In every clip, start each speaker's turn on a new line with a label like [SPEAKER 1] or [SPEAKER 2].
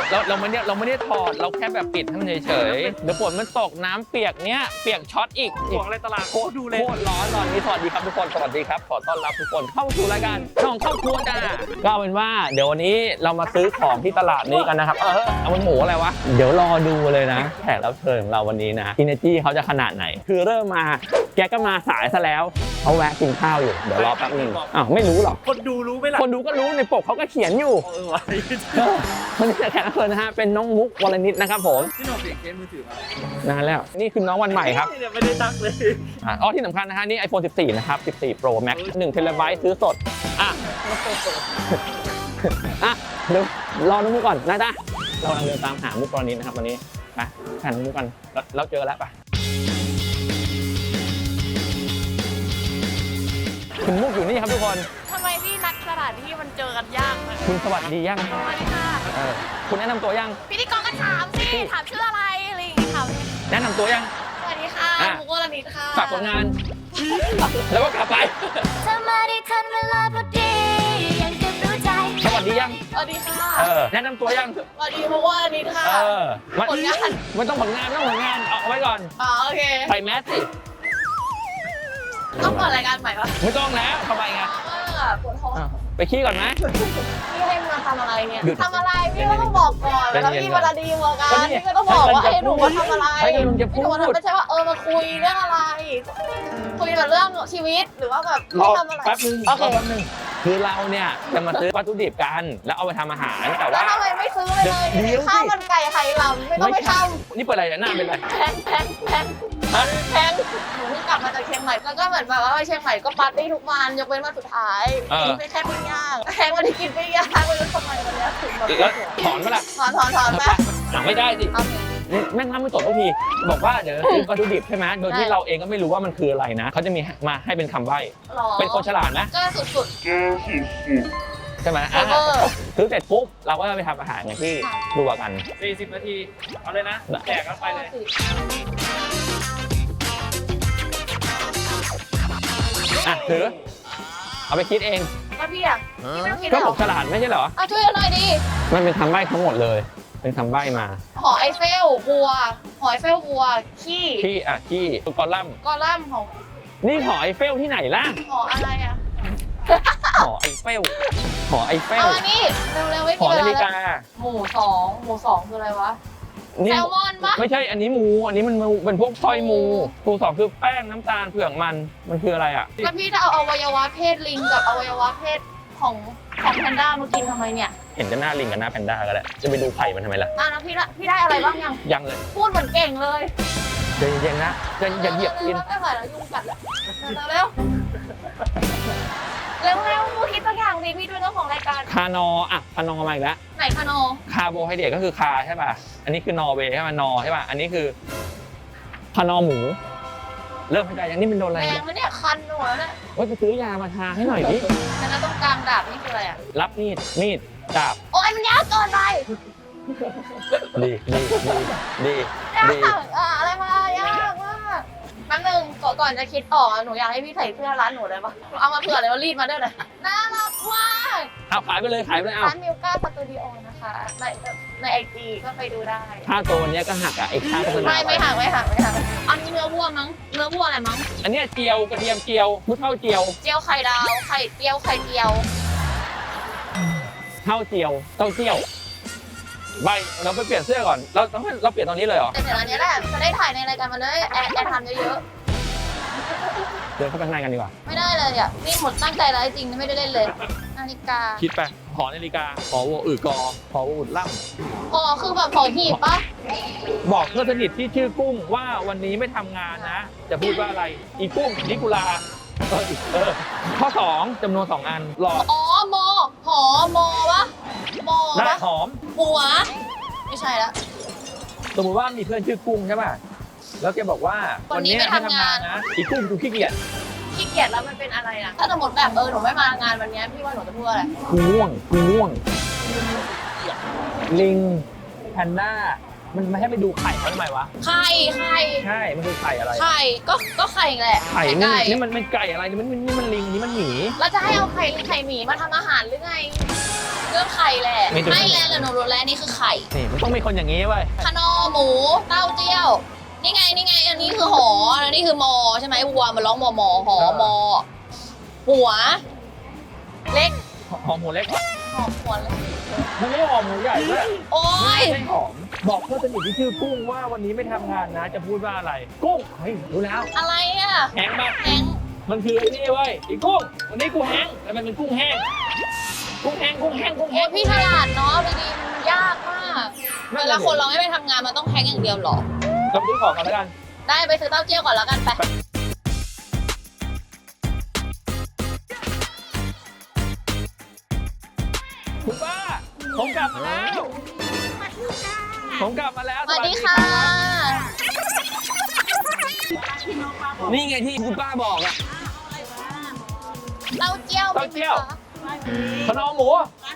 [SPEAKER 1] เราไม่ได้ถอดเราแค่แบบปิดให้มันเฉยๆเดี๋ยวฝนมันตกน้ำเปียกเนี้ยเปียกช็อตอีก
[SPEAKER 2] ของอะไรตลาดโคตรดูเลย
[SPEAKER 1] โคตรร้อนตอนนี้สวัสดีครับทุกคนสวัสดีครับขอต้อนรับทุกคนเข้าสู่รายการช่องครอบครัวจ้าก็เอาเป็นว่าเดี๋ยววันนี้เรามาซื้อของที่ตลาดนี้กันนะครับเอามันหมูอะไรวะเดี๋ยวรอดูเลยนะแขกรับเชิญของเราวันนี้นะอินเนอร์จี้เขาจะขนาดไหนคือเริ่มมาแกก็มาสายซะแล้วเขาแวะกินข้าวอยู่เดี๋ยวรอแป๊บนึงอ้าวไม่รู้หรอก
[SPEAKER 2] คนดูรู้ไหมล่ะ
[SPEAKER 1] คนดูก็รู้ในปกเขาก็เขียนอยู่
[SPEAKER 2] วะ
[SPEAKER 1] วันนี้แขกรับเชิญนะฮะเป็นน้องมุกวรณิตนะครับผม
[SPEAKER 2] ที่หนูเปลี่ยนเคสมือถือมาน
[SPEAKER 1] านแล้วนี่คือน้องวันใหม่ครับ
[SPEAKER 2] เนี่ยไม่ได้ตั้งเลย
[SPEAKER 1] อ๋อที่สำคัญนะฮะนี่ iPhone 14 นะครับ 14 Pro Max 1 TB ซื้อสดอ่ะเดี๋ยวรอน้องมุกก่อนนะจ๊ะเรากำลังเดินตามหามุกวรณิตนะครับวันนี้ไปหาน้องมุกกันเราเจอแล้วไปคุณมุกอยู่นี่ครับทุกคน
[SPEAKER 3] ทำไมพี่นัดสถานที่มันเจอกันยากเลย
[SPEAKER 1] คุณสวัสดียัง
[SPEAKER 3] สวัสดีค่ะ
[SPEAKER 1] คุณแนะนำตัวยัง
[SPEAKER 3] พิธีกรก็ถามสิถามชื่ออะไรอะไรอย่างงี้ถามเลย
[SPEAKER 1] แนะนำตัวยัง
[SPEAKER 3] สวัสดีค่ะ
[SPEAKER 1] อ่ะ
[SPEAKER 3] มุกวรณิตค่ะ
[SPEAKER 1] ฝากผลงาน แล้วก็กลับไป
[SPEAKER 3] เธอมาได้ทันเวลาพอดียังจะรู้ใจ
[SPEAKER 1] สวัสดียัง
[SPEAKER 3] สวัสดีค่ะ
[SPEAKER 1] แนะนำตัวยัง
[SPEAKER 3] สวัสดีมุกวรณิตค่ะ
[SPEAKER 1] มัน
[SPEAKER 3] ผลงาน
[SPEAKER 1] มันต้องผลงานเอาไว้ก่อน
[SPEAKER 3] อ๋อโอเค
[SPEAKER 1] ใส่แมสสิ
[SPEAKER 3] ต้องเปิดรายการใหม่ปะ
[SPEAKER 1] ไม่ต้องแล้วทำไมไง
[SPEAKER 3] ปวดท้อง
[SPEAKER 1] ไปขี้ก่อนไหม
[SPEAKER 3] พี่ให้มาทำอะไรเนี่ย
[SPEAKER 1] หยุด
[SPEAKER 3] ทำอะไรพี่ก็ต้องบอกก่อน
[SPEAKER 1] ใจ
[SPEAKER 3] แล้ว
[SPEAKER 1] เย็นๆ
[SPEAKER 3] พี่เวลาดีมากั
[SPEAKER 1] ก็
[SPEAKER 3] น
[SPEAKER 1] นี่
[SPEAKER 3] พี่ก็ต้องบอกว่า
[SPEAKER 1] ให้
[SPEAKER 3] ให้
[SPEAKER 1] มัน
[SPEAKER 3] หนูมาทำอะไร
[SPEAKER 1] ให้มันจะพูด
[SPEAKER 3] หนูไม่ใช่ว่ามาคุยเรื่องอะไร คุยแบบเรื่องชีวิตหรือว่าแบบ
[SPEAKER 1] รอ
[SPEAKER 3] ให้ทำอะไร
[SPEAKER 1] แป๊บนึง
[SPEAKER 3] โอเค
[SPEAKER 1] รอแป๊บนึงคือเราเนี่ยจะมาซื้อวัตถุดิบกันแล้วเอาไปทำอาหารแต่
[SPEAKER 3] แล้
[SPEAKER 1] ว่า
[SPEAKER 3] วทำไมไม่ซื้อไปเลย
[SPEAKER 1] เดี๋ยว
[SPEAKER 3] ข้าวมันไก่ไข่ลำไม่ต้องไปท
[SPEAKER 1] นี่เปิดอะไรเนี่ยหน้าเป็นอะไร
[SPEAKER 3] ำแพง
[SPEAKER 1] ฮะ
[SPEAKER 3] หนูเพิ่งกลับมาจากเชียงใหม่แล้วก็เหมือนแบบว่าไปเชียงใหม่ก็ปาร์ตี้ทุกวันยกเว้นวันสุดท้ายกินไปแค่ปิ้งย่างแพงวันที่กินปิ้งย่างไม่รู้ทำไมวันเนี้ยถึงแบบ
[SPEAKER 1] แล้วถอนมาละ
[SPEAKER 3] ถอนไป
[SPEAKER 1] ไม่ได้สิ
[SPEAKER 3] เอา
[SPEAKER 1] แม่งทำไม่ตกทุกทีบอกว่าเดี๋ยวซื้อวัตถุดิบใช่ไหมโดยที่เราเองก็ไม่รู้ว่ามันคืออะไรนะเขาจะมีมาให้เป็นคำใบ้
[SPEAKER 3] หรอ
[SPEAKER 1] เป็นคนฉลาดนะ
[SPEAKER 3] ก็สุด
[SPEAKER 1] ใช่ไหม
[SPEAKER 3] เวอร์
[SPEAKER 1] ซื้อเสร็จปุ๊บเราก็ไปทำอาหารอย่างที่ดูกัน
[SPEAKER 2] 40 นาที เอาเลยนะแจกกันไปเลย
[SPEAKER 1] ถือเอาไปคิดเอง
[SPEAKER 3] ก็พี่อ่ะพี่ไม่ต้องคิด
[SPEAKER 1] ก็
[SPEAKER 3] หร
[SPEAKER 1] ผ
[SPEAKER 3] อ
[SPEAKER 1] มฉลาดไม่ใช่เหรอ
[SPEAKER 3] ช่วยกันหน่อยดิ
[SPEAKER 1] มันเป็นคำใบ้ทั้งหมดเลย เป็นคำใบ้มา
[SPEAKER 3] หอไอเฟลบัวหอไอเฟลบัวขี้
[SPEAKER 1] ที่กอลัมน์
[SPEAKER 3] กอลัมน์ของ
[SPEAKER 1] นี่หอไอเฟลที่ไหนล่ะ
[SPEAKER 3] หออะไรอ่ะ
[SPEAKER 1] หอไอเฟลหอไอเฟล
[SPEAKER 3] เอาอันนี้เร็วๆไม่
[SPEAKER 1] ห
[SPEAKER 3] มี
[SPEAKER 1] อ
[SPEAKER 3] เว
[SPEAKER 1] นา
[SPEAKER 3] ลา
[SPEAKER 1] ฬิ
[SPEAKER 3] แล้ว
[SPEAKER 1] กา
[SPEAKER 3] หมู่สองคืออะไรวะ
[SPEAKER 1] นี่
[SPEAKER 3] แซลมอนปะ
[SPEAKER 1] ไม่ใช่อันนี้มูอันนี้มันเป็นพวกสร้อยมูหมู่สองคือแป้งน้ำตาลเผือกมันคืออะไรอ่ะ
[SPEAKER 3] แล้วพี่จะเอาอวัยวะเพศลิงกับอวัยวะเพศของแพนด้ามากินทำไมเนี่ย
[SPEAKER 1] เห็นจะหน้าลิงกับหน้าแพนด้าก็ได้จะไปดูไข่มันทำไมล่ะ
[SPEAKER 3] แล้วพี่ได้อะไรบ้างยัง
[SPEAKER 1] ยังเลย
[SPEAKER 3] พูดเหมือนเก่งเลย
[SPEAKER 1] ใจเย็นๆนะจะอย่าเหยียบกิน
[SPEAKER 3] ไม่ไหวแล้วยุงกัดแล้วเร็วคิดตัวอย่างดิพี่ด้วยเรื่องของรายการ
[SPEAKER 1] คานออ่ะคานอมาอีกแล้ว
[SPEAKER 3] ไหนคะโน
[SPEAKER 1] คาร์โบไฮเดรตก็คือคาใช่ป่ะ อันนี้คือนอร์เวย์ใช่ป่ะนอใช่ป่ะ อันนี้คือคานอหมู เริ่มเข้าใจยังนี่เป็นโดนอะไร
[SPEAKER 3] แร
[SPEAKER 1] เนี่
[SPEAKER 3] ง
[SPEAKER 1] ย
[SPEAKER 3] มันเนี่ยคันหัวเนี่ย
[SPEAKER 1] เฮ้ยไปซื้อยามาทาให้หน่อยดิ
[SPEAKER 3] แล้วตรงกลางดาบนี่คืออะไรอ่ะ
[SPEAKER 1] รับมีดดาบ
[SPEAKER 3] โอ้ยมันยากเกินไป
[SPEAKER 1] ดี
[SPEAKER 3] ยากอะไรมายากมากแป๊บนึงก่อนจะคิดออกหนูอยากให้พี่ใส่เสื้อร้านหนูเลยปะเอามาเผื่อเลยว่ารีดมาด้วยเลยน่ารักมาก
[SPEAKER 1] เอาขายไปเลยเอา
[SPEAKER 3] ร้านมิวก้าสตูดิโอนะคะในไอจีก็ไปดูได้
[SPEAKER 1] ค่าตัววันนี้ก็หักอ่ะไอ้ค่าโฆษณา
[SPEAKER 3] ไม่หักอันนี้เนื้อวัวมั้งเนื้อวัวอะไรมั้ง
[SPEAKER 1] อันเนี้ยเจียวกระเทียมเจียวผู้เท่าเจียว
[SPEAKER 3] เจียวไข่ดาวไข่เจียว
[SPEAKER 1] เท่าเจียวเต้าเจี้ยวใบเราไปเปลี่ยนเสื้อก่อนเราเปลี่ยนตอนนี้เลยเหรอ
[SPEAKER 3] แต่เดี๋ยวอันนี้แหละจะได้ถ่ายในรายการมันเลยแอร์ทำเยอะ
[SPEAKER 1] เดินเข้าไปข้างในกันดีกว่า
[SPEAKER 3] ๆไม่ได้เลยอ่ะนี่หมดตั้งใจแล้วจริงไม่ได้เล่นเลยนาฬิกา
[SPEAKER 1] คิดไปหอนาฬิกาหอวัวอือกอหอวัวอุดล่ำ
[SPEAKER 3] อ๋อคือแบบของหีบปะ
[SPEAKER 1] บอกเพื่อนสนิทที่ชื่อกุ้งว่าวันนี้ไม่ทำงานนะ จะพูดว่าอะไรอีกุ้งนิกุลาข้อ 2จำนวน 2 อันหลอก
[SPEAKER 3] อ๋อมอหอมอปะมอ
[SPEAKER 1] ได้
[SPEAKER 3] ปะ
[SPEAKER 1] หอม
[SPEAKER 3] หัวไม่ใช่ละ
[SPEAKER 1] สมมติว่ามีเพื่อนชื่อกุ้งใช่ป่ะแล้วแกบอกว่า
[SPEAKER 3] วันนี้ไม่ทำงาน
[SPEAKER 1] นะอีกุ้งดูขี้เกียจ
[SPEAKER 3] ขี้เกียจแล้วมันเป็นอะไรอ่ะถ้าสมมติแบบหนูไม่มางานวันนี้พี่ว่าหนูจะพูดอะไร
[SPEAKER 1] กูง่วงลิงแพนด้ามันไม่ให้ไปดูไข่เขาทำไมวะ
[SPEAKER 3] ไข่
[SPEAKER 1] ใช่มันคือไข่อะไร
[SPEAKER 3] ก็ไข่แหละ
[SPEAKER 1] ไข่
[SPEAKER 3] ไก่
[SPEAKER 1] นี่มันไก่อะไรนี่มันลิงนี่มันหมี
[SPEAKER 3] แล้วจะให้เอาไข่หมีมาทำอาหารหรือไงเรื่องไข่แหละ
[SPEAKER 1] มีตัว
[SPEAKER 3] ไม่แล้วหนูรู้แล้วนี่คือไข่
[SPEAKER 1] นี่มันต้องมีคนอย่างนี้เว้ย
[SPEAKER 3] ขนอหมูเต้าเจี้ยว นี่ไงนี่ไง อันนี้คือหออันนี้คือมอใช่ไหมวัวมันร้องมอมอหอมอ หัว เล็ก
[SPEAKER 1] หอมหมูเล็กเหรอ
[SPEAKER 3] หอมหัวเล็ก
[SPEAKER 1] มันไม่หอมหมูใหญ่ด้วย
[SPEAKER 3] โอ้ย
[SPEAKER 1] ไม่หอมบอกเพื่อนสนิทที่ชื่อกุ้งว่าวันนี้ไม่ทำงานนะ จะพูดว่าอะไร กุ้งเฮ้ยรู้แล้ว
[SPEAKER 3] อะไรอ่ะ
[SPEAKER 1] แห้งมาก
[SPEAKER 3] แหง
[SPEAKER 1] มันคือไอ้นี่เว้ยไอ้กุ้งวันนี้กูแห้งแล้วมันเป็นกุ้งแห้งกุ้งแห้งกุ้งแห้งกุ้ง
[SPEAKER 3] โอ้
[SPEAKER 1] แห้
[SPEAKER 3] ย
[SPEAKER 1] ง
[SPEAKER 3] พี่ฉลาดเนาะดีๆมันยากมากเวลาคนเราไม่ไปทำงานมันต้องแฮงอย่างเดียวเหรอ
[SPEAKER 1] เราซื้อของกันแล้วกัน
[SPEAKER 3] ได้ไปซื้อเต้าเจี้ยวก่อนแล้วกันไป
[SPEAKER 1] คุณป้าผมกลับมาแล้วผมกลับมาแล้ว
[SPEAKER 3] สวัสดีค่ะ
[SPEAKER 1] นี่ไงที่คุณป้าบอกอะ
[SPEAKER 3] เต้าเจี้ยว
[SPEAKER 1] เต้าเจี้ยว
[SPEAKER 3] ไหมคะ
[SPEAKER 1] ขนมหมู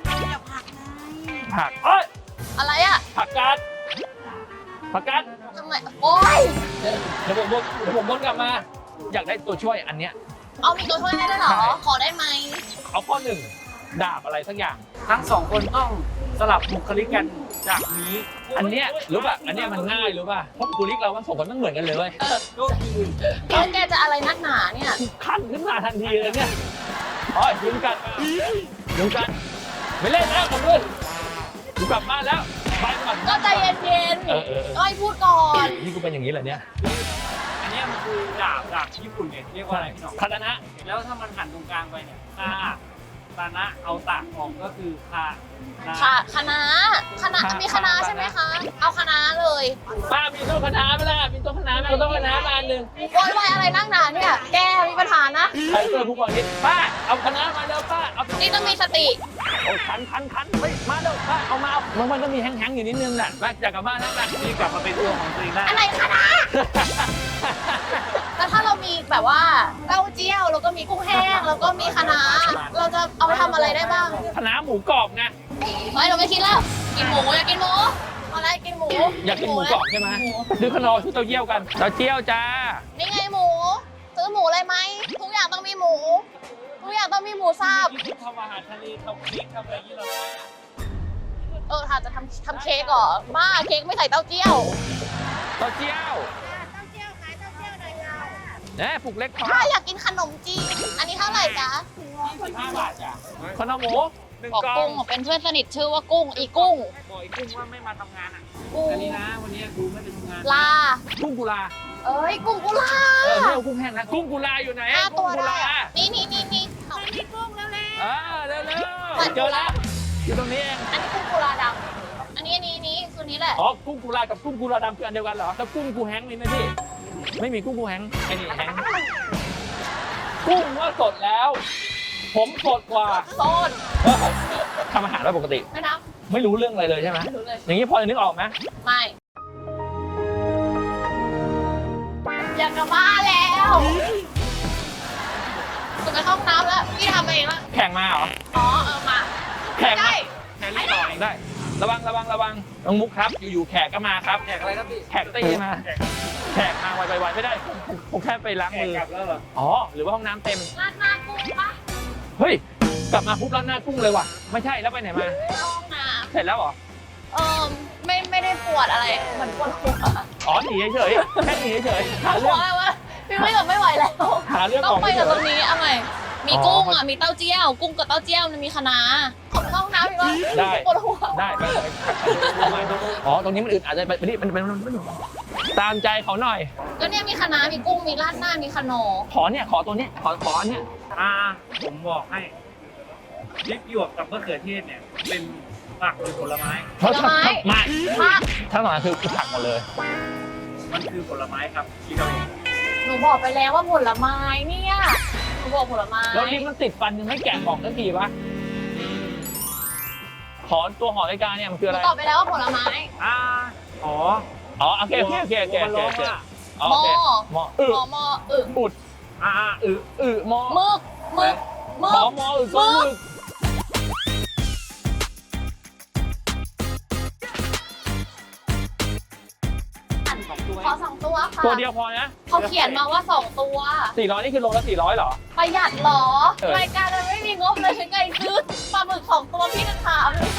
[SPEAKER 1] ผักเอ้ย
[SPEAKER 3] อะไรอ่ะ
[SPEAKER 1] ผักกาดผักกาด
[SPEAKER 3] ทำไมโอ้ย
[SPEAKER 1] เดี๋ยวผมวนกลับมา อยากได้ตัวช่วยอันเนี้ย
[SPEAKER 3] เอามีตัวช่วยให้ด้วยเหรอ
[SPEAKER 1] ใช่
[SPEAKER 3] ขอได้ไหม
[SPEAKER 1] เอาข้อหนึ่งดาบอะไรสักอย่าง
[SPEAKER 2] ทั้งสองคนต้องสลับบุคลิกกันจากนี้
[SPEAKER 1] อันเนี้ยรู้ป่ะอันเนี้ยมันง่ายรู้ป่ะเพราะบุคลิกเราทั้งสองคนมันเหมือนกันเลยเว้ย
[SPEAKER 2] ก็คือ
[SPEAKER 3] แล้วแกจะอะไรนักหนาเนี่ย
[SPEAKER 1] ขั้นขึ้นมาทันทีเลยเนี่ยอ๋อยุงกัดยุงกัดไม่เล่นแล้วผมด้วยกูกลับบ้านแล้วไปก่อน
[SPEAKER 3] ก็ใจเย็น
[SPEAKER 1] เออ
[SPEAKER 3] ๆก็ให้พูดก่อน
[SPEAKER 1] นี่กูเป็นอย่างนี้เหรอเนี่ย
[SPEAKER 2] อันเนี้ยมันคือดาบญี่ปุ่นเนี่ยเรียกว่าอะไรพี่หน้อง
[SPEAKER 1] คาตานะ
[SPEAKER 2] แล้วถ้ามันหันตรงกลางไปเนี่ยคาตานะเอาตากออกก็คือคานะ
[SPEAKER 3] ค่ะคณะมีคณะใช่ไหมคะ เอาคณะเลย
[SPEAKER 1] ป้ามีต้นคณะไหมล่ะมีต้นคณะไหมเอาต้นคณะมาอันหนึ่ง
[SPEAKER 3] โวยวายอะไรนักหนาเนี่ย แกมีปัญหานะ
[SPEAKER 1] ใครเจอผู้ก่อเหตุป้าเอาคณะมาเร็วป้าเอา
[SPEAKER 3] นี่ต้องมีสติ
[SPEAKER 1] โอ้คันเฮ้ยมาเร็วป้าเอามาเอามันต้องมีแห้งๆอยู่นิดนึงแหละป้าอยากกลับบ้านแล้วป้า
[SPEAKER 2] นี่กลับมาเป็นตัวของตัวเองได้
[SPEAKER 3] อะไรคณะแต่ถ้าเรามีแบบว่าเต้าเจี้ยวแล้วก็มีกุ้งแห้งแล้วก็มีคณะเราจะเอาไปทำอะไรได้บ้าง
[SPEAKER 1] คณะหมูกรอบไง
[SPEAKER 3] ไม่เราไม่คิดแล้ว กินหมูอยากกินหมูเอาอะไรกินหมู
[SPEAKER 1] อยากกินหมูกรอบใช่ไหมซื้อขนมซื้อเต้าเจี้ยวกันเต้าเจี้ยวจ้า
[SPEAKER 3] นี่ไงหมู ซื้อหมูเลยไหมทุกอย่างต้องมีหมู ทุกอย่างต้องมีหมูสับ
[SPEAKER 2] ที่ทำอาหารทะเลทำเค้กทำอะไรที่เราได้อะ
[SPEAKER 3] ถ้าจะทำเค้กเหรอบ้าเค้กไม่ใส่เต้าเจี้ยว
[SPEAKER 1] เต้าเจี้ยวเนี่ยผูกเล็กพอ
[SPEAKER 3] ถ้าอยากกินขนมจีน อันนี้เท่าไหร่จ๊ะ
[SPEAKER 2] 15 บาทจ้ะ
[SPEAKER 1] ขนมหมูหนึ่ง
[SPEAKER 3] บอก
[SPEAKER 1] กล่อ
[SPEAKER 3] กุ้
[SPEAKER 1] ง
[SPEAKER 3] งเป็นเพื่อนสนิทชื่อว่ากุ้งอีกุ้ง
[SPEAKER 2] บอกไอ้กุ้งว่าไม่มาทำงานอ่ะ
[SPEAKER 3] กุ้ง
[SPEAKER 2] อันนี้นะวันนี้กูไม่ไปทำงาน
[SPEAKER 3] ลา
[SPEAKER 1] กุ้งกุลา
[SPEAKER 3] เอ้ยกุ้งกุลา
[SPEAKER 1] ไม่เอากุ้งแห้งนะกุ้งกุลาอยู่ไหน
[SPEAKER 3] ห้า
[SPEAKER 1] กุ้
[SPEAKER 3] ตั
[SPEAKER 1] ง
[SPEAKER 3] ว
[SPEAKER 1] กุ
[SPEAKER 3] ได้
[SPEAKER 1] ลา
[SPEAKER 3] อะนี่
[SPEAKER 1] เร็วๆเจอแล้วอยู่ตรงนี้เอง
[SPEAKER 3] อันนี้กุ้งกุลาดำอันนี้คือนี้แหละ
[SPEAKER 1] อ๋อกุ้งกุลากับกุ้งกุลาดำคืออันเดียวกันเหรอแล้วกุ้งกูแห้งมีไหมพี่ไม่มีกุ้งกูแห้งไอ้นี่แห้งกุ้งว่าสดแล้ว ผมสดกว่า
[SPEAKER 3] โซน
[SPEAKER 1] ทำอาหารได้ปกติ
[SPEAKER 3] ไม่นับ
[SPEAKER 1] ไม่รู้เรื่องอะไรเลยใช่ไหม
[SPEAKER 3] ไม่รู้เลย
[SPEAKER 1] อย่างนี้พอจะนึกออกไหม
[SPEAKER 3] ไม่อยากกลับบ้านแล้วจะไปเข้าห้องน้ำแล้วพี่ทำเองแล้ว
[SPEAKER 1] แข่งมาเหรอ
[SPEAKER 3] อ๋อมา
[SPEAKER 1] แข่ง
[SPEAKER 3] ได้
[SPEAKER 1] มาแข่งรีบต่อยได้ ระวังน้องมุกครับอยู่ๆแขกก็มาครับ
[SPEAKER 2] แขกอะไรครับพี่
[SPEAKER 1] แขกตีมาแขกมาไวๆไม่ได้ผมแค่ไปล้าง
[SPEAKER 2] แขก
[SPEAKER 1] มือก
[SPEAKER 2] ลับแล้วเหรอ
[SPEAKER 1] อ๋อหรือว่าห้องน้ำเต็ม
[SPEAKER 3] ราดหน้ากุ้งปะ
[SPEAKER 1] เฮ้ยกลับมาปุ๊บร้านหน้ากุ้งเลยว่ะไม่ใช่แล้วไปไหนมา
[SPEAKER 3] เข้าห้องน้
[SPEAKER 1] เสร็จแล้วเหรอ
[SPEAKER 3] ำไม่ได้ปวดอะไรเหมือนปวดหัว
[SPEAKER 1] อ๋อหนีเฉยๆแค่หนีเฉยๆหา
[SPEAKER 3] หั
[SPEAKER 1] เรื่
[SPEAKER 3] ว
[SPEAKER 1] อง
[SPEAKER 3] อะไรวะพี่ไม่กับไม่ไหวแล้ว
[SPEAKER 1] หาเรื่อง
[SPEAKER 3] ต้อ
[SPEAKER 1] อง อก
[SPEAKER 3] ไป
[SPEAKER 1] เฉ
[SPEAKER 3] กับตร
[SPEAKER 1] ย
[SPEAKER 3] งนี้เอาใหม่มี
[SPEAKER 1] อ๋อ
[SPEAKER 3] กุ้งมีเต้าเจี้ยว กุ้งกับเต้าเจี้ยวมันมีคะน้าขอไปเข้าห้องน้ำอีกวะ
[SPEAKER 1] ได้
[SPEAKER 3] ปวดหัว
[SPEAKER 1] ได้ไปอ๋อตรงนี้มันอึดอาจจะไปนี่มันตามใจเขาหน่อย
[SPEAKER 3] ก็เนี่ยมีคะน้ามีกุ้งมีราดหน้ามีขนม
[SPEAKER 1] ขอตัวเนี้ยขออันเนี้ย
[SPEAKER 2] ผมบอกให้พริกหยวกกับมะเขือเทศเนี่ย เป็นผักหรือผลไม้
[SPEAKER 1] ไม่
[SPEAKER 3] ผัก
[SPEAKER 1] ถ้าหน่อยคือผักหมดเลย
[SPEAKER 2] มันคือผลไม้ครับที่เราเอง
[SPEAKER 3] หนูบอกไปแล้วว่าผลไม้เนี่ยหนูบอกผลไม้
[SPEAKER 1] แล้วนี่มันติดฟันยังไม่แกะกล่องสักทีวะขอตัวหอรายการเนี่ยมันคือ
[SPEAKER 3] ห
[SPEAKER 1] อะ
[SPEAKER 3] นู
[SPEAKER 1] ไร
[SPEAKER 3] ตอบไปแล้วว่าผลไม้
[SPEAKER 2] อ๋อ
[SPEAKER 1] อ๋อโอเคโอเค
[SPEAKER 2] มันร้องว่า
[SPEAKER 1] โอเคมอ
[SPEAKER 3] มออึ
[SPEAKER 1] อุดมอ
[SPEAKER 3] มึกมึก
[SPEAKER 1] ขอมอก็มึก
[SPEAKER 3] ขอ2 ตัวค่ะ
[SPEAKER 1] ตัวเดียวพอนะ
[SPEAKER 3] เขาเขียนมาว่า2 ตัว
[SPEAKER 1] 400นี่คือโลละ400เหรอ
[SPEAKER 3] ประหยัดเหรอ
[SPEAKER 1] เออ
[SPEAKER 3] รายการมันไม่มีงบเลยยังไงซื้อปลาหมึก2 ตัวพี่จะถามเลย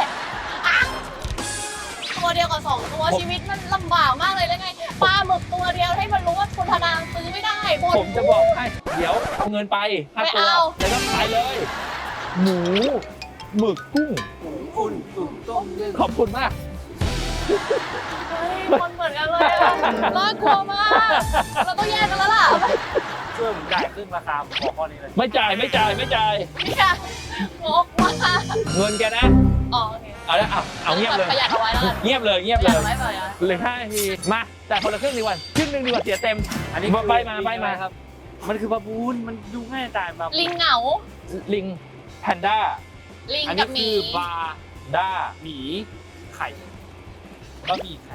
[SPEAKER 3] ตัวเดียวกับ2 ตัวชีวิตมันลำบากมากเลยแล้วไงปลาหมึกตัวเดียวให้มันรู้ว่าคุณธนางซื้อไม่ได้หมด
[SPEAKER 1] ผมจะบอกให้ เดี๋ยวเอาเงินไปค่า
[SPEAKER 3] ไม่
[SPEAKER 1] ตัว
[SPEAKER 3] เอา
[SPEAKER 1] แล้วก็ไปเลย หมูหมึกกุ้ง
[SPEAKER 2] อุ่นตุ๋นต้มนึ่ง
[SPEAKER 1] ขอบคุณมาก
[SPEAKER 3] เฮ้ยคนเหมือนกันเลยอะน่ากลัวมากเราต้องแยกกันแล้วล่ะ
[SPEAKER 2] ช่วยผมจ่ายครึ่งราคาผมบอกข้อนี้เลย
[SPEAKER 1] ไม่จ่ายไม่จ่ายไม่จ่าย
[SPEAKER 3] เนี่ยงกมาก
[SPEAKER 1] เงินแกนะ
[SPEAKER 3] อ๋อโอเค
[SPEAKER 1] เอาละเอาเงียบเลย
[SPEAKER 3] ประหยัดเอาไว้แล้วกัน
[SPEAKER 1] เงียบเลยเงียบ
[SPEAKER 3] ประห
[SPEAKER 1] เล
[SPEAKER 3] ยัด
[SPEAKER 1] ย
[SPEAKER 3] เอาไว้ประหยัด
[SPEAKER 1] เหลือ5 นาทีมาแต่คนละครึ่งดีกว่าครึ่งหนึงดีกว่าเสียเต็ม
[SPEAKER 2] อันนี้
[SPEAKER 1] ใบมาใบมา
[SPEAKER 2] ครับ มันคือบาบูนมันดูง่ายตายแบบ
[SPEAKER 3] ลิงเหงา
[SPEAKER 1] ลิงแพนด้า
[SPEAKER 3] ลิง
[SPEAKER 2] อัน
[SPEAKER 3] กั
[SPEAKER 2] นี้
[SPEAKER 3] บห
[SPEAKER 2] คื
[SPEAKER 3] มี
[SPEAKER 2] อบาร์
[SPEAKER 1] ด้า
[SPEAKER 2] หมีไข่บะหมี่ไข่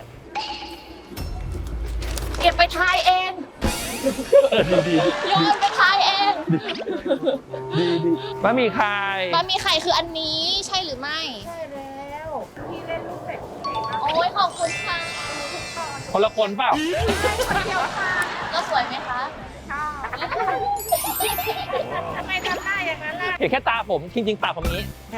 [SPEAKER 3] เก็บไปทายเอง
[SPEAKER 1] ดี
[SPEAKER 3] โยนไปทายเอง
[SPEAKER 1] ดีบะหมี่ไข่
[SPEAKER 3] บะหมี่ไข่คืออันนี้ใช่หรือไม่
[SPEAKER 4] ใช่แล้วพี่เล่นลูกเป็ดเจ๋งนะ
[SPEAKER 3] โอ้ยขอบคุณค่ะ
[SPEAKER 1] คนละคนเปล่า
[SPEAKER 4] คนเดียวค่ะ
[SPEAKER 3] ก็สวยไหมคะ
[SPEAKER 4] ชอบทำไมทำหน้าอย่างนั้นล่ะ
[SPEAKER 1] เห็นแค่ตาผมจริงๆตาผมนี้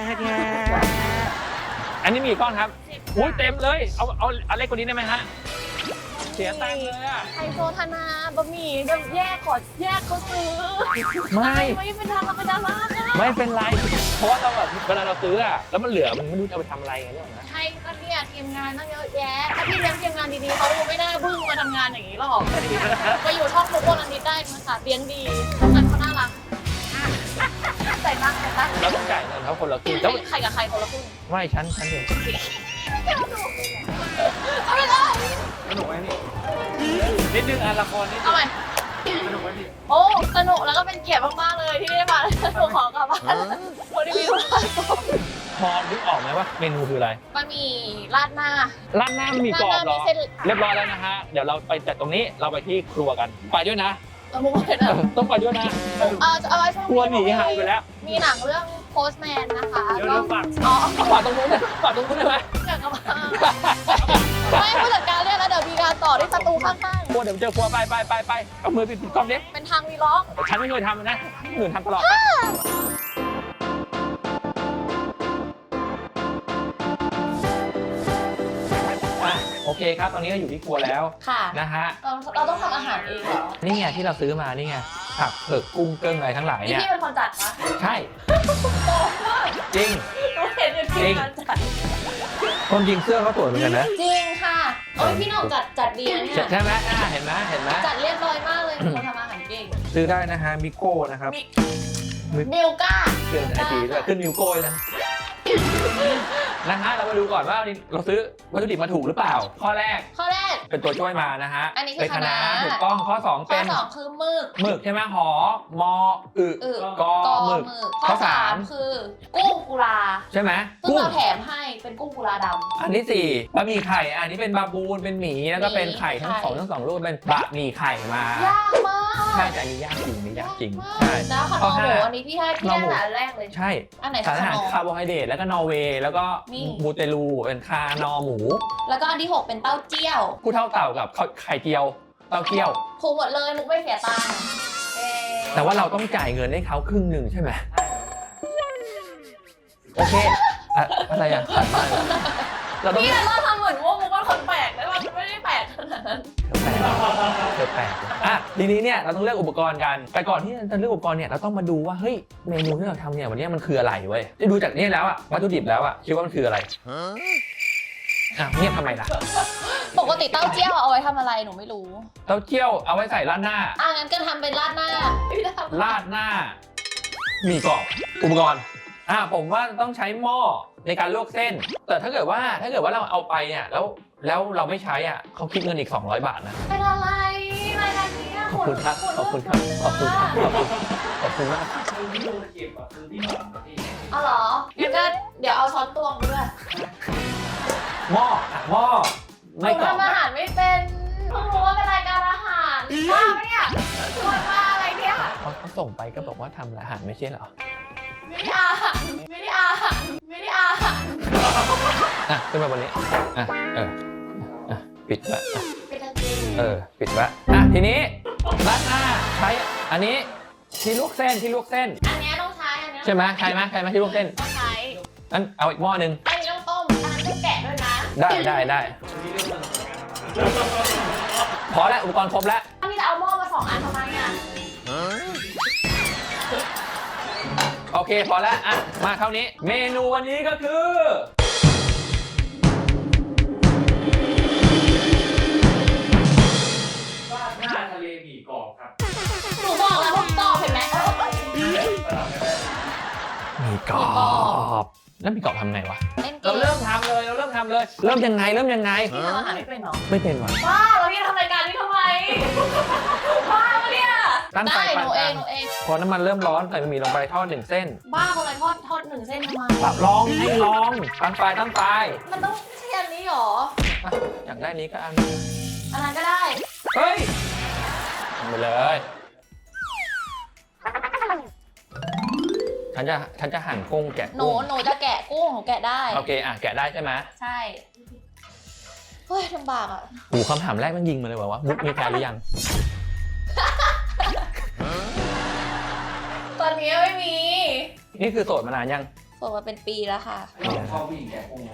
[SPEAKER 1] อันนี้มีกี่ก้อนครับอุ้ยเต็มเลย เอาเล็กกว่านี้ได้ไหมฮะ เสียตังค์เลยอ่ะ
[SPEAKER 3] ไฮโซธนาบะหมี่เดี๋ยวแยกขอแยกเขาซื้อ
[SPEAKER 1] ไม่
[SPEAKER 3] ไม่เป็นดาราเป็นดาราค่ะ
[SPEAKER 1] ไม่เป็นไร เพราะว่าเราแบบเวลาเราซื้ออะแล้วมันเหลือมันไม่รู้จะเอาไปทำอะไรไงเนี่ยนะ
[SPEAKER 3] ใช่ก็เนี่ยทีมงานตั้งเยอะแยะ ถ้าพี่เลี้ยงทีมงานดีๆเขาไม่ได้บึ้งมาทำงานอย่างนี้หรอกไปอยู่ช่องทุกคนอันนี้ได้มาค่ะเลี้ยงดีทำงานเขาน่ารักใส่ตังค์ใส่ตังค์
[SPEAKER 1] เราต้องจ่ายเงินเขาคนละครึ่งแล้ว
[SPEAKER 3] ใครกับใครคนละครึ่ง
[SPEAKER 1] ไม่ฉันเอง
[SPEAKER 3] เอาไปเลย
[SPEAKER 2] สนุกไหมพี่นิดนึงอ่ะละครนิดนึ
[SPEAKER 3] เอา
[SPEAKER 2] ง
[SPEAKER 3] ใหม่
[SPEAKER 2] สนุกไหมพี่
[SPEAKER 3] โอ้สนุกแล้วก็เป็นเกียรติมากๆเลยที่ได้มาหนูขอกลับบ้านคนที่มีธุระต่อ
[SPEAKER 1] พอนึกออกไหมว่าเมนูคืออะไร
[SPEAKER 3] บะหมี่ราดหน้า
[SPEAKER 1] ร้านหน้ามีกรอบเหรอ
[SPEAKER 3] ร้านหน้ามีเส้น
[SPEAKER 1] เรียบร้อยแล้วนะฮะ เดี๋ยวเราไปจากตรงนี้เราไปที่ครัวกัน ไปด้วยนะ
[SPEAKER 3] เอามุกไปนะ
[SPEAKER 1] ต้องไปด้วยนะ
[SPEAKER 3] เอาไว้ช่วง
[SPEAKER 1] ครัวหนีหายไปแล้ว
[SPEAKER 3] มีหนังเรื่องโพสแมนนะคะ
[SPEAKER 2] เดี๋ยวเราฝาก
[SPEAKER 3] อ๋อ
[SPEAKER 1] ฝากตรงนู้นนะฝากตรงนู้นได้ไหม
[SPEAKER 3] อยากกลับมาไม่ผู้จัดการเรียกแล้วเดี๋ยวมีการต่อที่สตูข้าง
[SPEAKER 1] ครัวเดี๋ยวเจอครัวไปเอามือปิดกล้องดิ
[SPEAKER 3] ๆ เป็นทางวีล็อก
[SPEAKER 1] ฉันไม่เคยทำนะหนึ่งทำตลอดไปอ่ะโอเคครับ ตอนนี้ก็อยู่ที่ครัวแล้ว
[SPEAKER 3] ค่ะ
[SPEAKER 1] นะฮะ
[SPEAKER 3] เราต้องทำอาหารเองเหรอ
[SPEAKER 1] นี่ไงที่เราซื้อมานี่ไงผักเผือกกุ้งเกิ้งอะไรทั้งหลาย
[SPEAKER 3] นี่
[SPEAKER 1] เนี่ย
[SPEAKER 3] พี่เป็นคนจัดปะ
[SPEAKER 1] ใช่
[SPEAKER 3] โตมาก
[SPEAKER 1] จริง
[SPEAKER 3] หนูเห็นอยู่ที่การจัด
[SPEAKER 1] คนจริงเสื้อเขาสวยเหมือนกันนะ
[SPEAKER 3] จริงค่ะโอ้ยพี่หน้องจัดดีนะเนี่ย
[SPEAKER 1] ใช่ไหมเห็นไหม
[SPEAKER 3] จัดเรียบร้อยมากเลยคนทำอาหารเก่ง
[SPEAKER 1] ซื้อได้นะฮะมิโก้นะครับ
[SPEAKER 3] มิลก้า
[SPEAKER 1] เกินไอทีด้วยขึ้นมิโก้เลยนะนะฮะเรามาดูก่อนว่าเราซื้อวัตถุดิบมาถูกหรือเปล่า ข้อแรก
[SPEAKER 3] ข้อแรก
[SPEAKER 1] เป็นตัวช่วยมานะฮะ
[SPEAKER 3] อันนี้คือ
[SPEAKER 1] เป็นคะน้า
[SPEAKER 3] คะน้า
[SPEAKER 1] ถูกต้องข้อ 2
[SPEAKER 3] ข้อ
[SPEAKER 1] เป็น
[SPEAKER 3] 2คือหมึก
[SPEAKER 1] หมึกใช่ไหมหอมออึ
[SPEAKER 3] อึ
[SPEAKER 1] กอหมึก
[SPEAKER 3] ข้อ3คือกุ้งกุลา
[SPEAKER 1] ใช่ไหม
[SPEAKER 3] ซึ่ง
[SPEAKER 1] กุ้ง
[SPEAKER 3] เราแถมให้เป็นกุ้งกุลาดำ
[SPEAKER 1] อันที่4บะหมี่ไข่อันนี้เป็นบาบูนเป็นหมีแล้วก็เป็นไข่ทั้ง
[SPEAKER 3] ไข่
[SPEAKER 1] สองรูปเป็นบะหมี่ไข่มาย
[SPEAKER 3] ากมาก
[SPEAKER 1] ใช่แต่อันนี้ยากจริงนี่ยากจริง
[SPEAKER 3] ม
[SPEAKER 1] ใช่
[SPEAKER 3] แล้วขน
[SPEAKER 1] ข้อ
[SPEAKER 3] มห
[SPEAKER 1] ห้า
[SPEAKER 3] มูอันนี้พี่ให้พี่
[SPEAKER 1] นอหมู
[SPEAKER 3] ได้อันแรกเลย
[SPEAKER 1] ใช่
[SPEAKER 3] อันไหน
[SPEAKER 1] สารอาหาร
[SPEAKER 3] ขนม
[SPEAKER 1] คาร์โบไฮเดรตแล้วก็นอร์เวย์แล้วก็
[SPEAKER 3] นี่
[SPEAKER 1] มูเตลูเป็นคานอหมู
[SPEAKER 3] แล้วก็อันที่ 6 เป็นเต้าเจี้ยว
[SPEAKER 1] ผู้เท่าเต่ากับไข่เจียวเต้าเจี้ยว
[SPEAKER 3] ถูกหมดเลยมุกไม่เสียตังค์เย้
[SPEAKER 1] แต่ว่าเราต้องจ่ายเงินให้เขาครึ่งหนึ่งใช่ไหมโอเคอะไรอ่ะเราต้อง
[SPEAKER 3] พี่เราทำเหมือนว่ามุกเป็นคนแปลกแต่ว่ามันไม่ได้แปลกขนาดนั้น
[SPEAKER 1] เธอแปลกอ่ะทีนี้เนี่ยเราต้องเลือกอุปกรณ์กัน แต่ก่อนที่จะเลือกอุปกรณ์เนี่ยเราต้องมาดูว่าเฮ้ยเมนูที่เราทำเนี่ยวันนี้มันคืออะไรเว้ยได้ดูจากนี่แล้วอะวัตถุดิบแล้วอะคิดว่ามันคืออะไรเงียบทำไมล่ะ
[SPEAKER 3] ปกติเต้าเจี้ยวเอาไว้ทำอะไรหนูไม่รู้
[SPEAKER 1] เต้าเจี้ยวเอาไว้ใส่ราดหน้า
[SPEAKER 3] งั้นก็ทำเป็นราดหน้าพี่ทำ
[SPEAKER 1] ราดหน้ามีกรอบอุปกรณ์ผมว่าต้องใช้หม้อในการลวกเส้น แต่ถ้าเกิดว่าเราเอาไปเนี่ยแล้วเราไม่ใช้อ่ะเขาคิดเงินอีก200 บาทนะ
[SPEAKER 3] เป็นอะไรรายการนี้
[SPEAKER 1] ขอบคุณครับขอบคุณครับขอบคุณครับขอบคุณมาก
[SPEAKER 2] คือที่โดนเก็บอ่ะคือที่หนอนพี่
[SPEAKER 3] อ๋อเหรองั้นก็เดี๋ยวเอาช้อนตวงไปด้วย
[SPEAKER 1] หม้อไม่
[SPEAKER 3] หนู
[SPEAKER 1] กรอบ
[SPEAKER 3] ทำอาหารไม่เป็นเพิ่งรู้ว่าเป็นรายการอาหารว่าไหมเนี่ยชวนมาอะไรเนี่ย
[SPEAKER 1] เขาส่งไปก็บอกว่าทำอาหารไม่ใช่เหรอ
[SPEAKER 3] ไม่ได้อาหารไม่ได้อาหารไม่ได้อาหาร
[SPEAKER 1] ขึ้นมาบนนี้ปิดไป
[SPEAKER 3] เป็นกางเกง
[SPEAKER 1] ปิดไว้ทีนี้ราดหน้าใช้อันนี้ที่ลวกเส้น
[SPEAKER 3] อันเนี้ยต้องใช้อันเนี้ย
[SPEAKER 1] ใช่ไหมใช่ไหมที่ลวกเส้น
[SPEAKER 3] ต้องใช้
[SPEAKER 1] งั้นเอาอีกหม้อหนึ่ง
[SPEAKER 3] อันนี้ต้องต้มอันนั้นต้องแกะด้วยนะ
[SPEAKER 1] ได้พอแล้วอุปกรณ์ครบแล้ว
[SPEAKER 3] อันนี้จะเอาหม้อมา2 อันทำไมอ่ะ
[SPEAKER 1] โอเคพอแล้วมาคราวนี้เมนูวันนี้ก็คือราดหน้าทะเลหมี่กรอบครับ
[SPEAKER 3] หนูบอกแล้วผมตอบเห็นไหม
[SPEAKER 1] หมี่กรอบแล้วหมี่กรอบทำไงวะ
[SPEAKER 3] เล่นเก
[SPEAKER 1] เรา
[SPEAKER 3] ม
[SPEAKER 1] เริ่มทำเลย เริ่มยังไง
[SPEAKER 3] พี่ทำอาหารไม่เป็นเหรอ
[SPEAKER 1] ไม่เป็นวะ
[SPEAKER 3] บ้าแล้วพี่ทำรายการนี้ทำไมบ้าปะเนี่ย
[SPEAKER 1] ตั้งไฟ
[SPEAKER 3] ได้หนู
[SPEAKER 1] ปานก
[SPEAKER 3] เอ
[SPEAKER 1] ลาง ง
[SPEAKER 3] หนูเอง
[SPEAKER 1] พอน้ำมันเริ่มร้อนใส่บะหมี่ลงไปทอด1 เส้น
[SPEAKER 3] บ้าคนอะไรทอด1 เส้นทำไม
[SPEAKER 1] ปรับลองให้ลองตั้งไฟ
[SPEAKER 3] มันต้องใช่อันนี้หรอ
[SPEAKER 1] อยากได้นี้ก็อัน
[SPEAKER 3] อันนั้นก็ได้
[SPEAKER 1] เฮ้ยทำไปเลยฉันจะหั่นกุ้งแกะ
[SPEAKER 3] หนู
[SPEAKER 1] กุ้ง
[SPEAKER 3] จะแกะกุ้งหนูแกะได้
[SPEAKER 1] โอเคแกะได้ใช่ไหม
[SPEAKER 3] ใช่ เฮ้ยลำบากอ่ะ
[SPEAKER 1] หูคำถามแรกมันยิงมาเลยว่ามุกมีแฟนหรือยัง
[SPEAKER 3] ตอนนี้ไม่มี
[SPEAKER 1] นี่คือโสดมานานยัง
[SPEAKER 3] โสดมาเป็นปีแล้วค่ะ
[SPEAKER 2] ชอบผู้หญิงแก่กุ้งไหม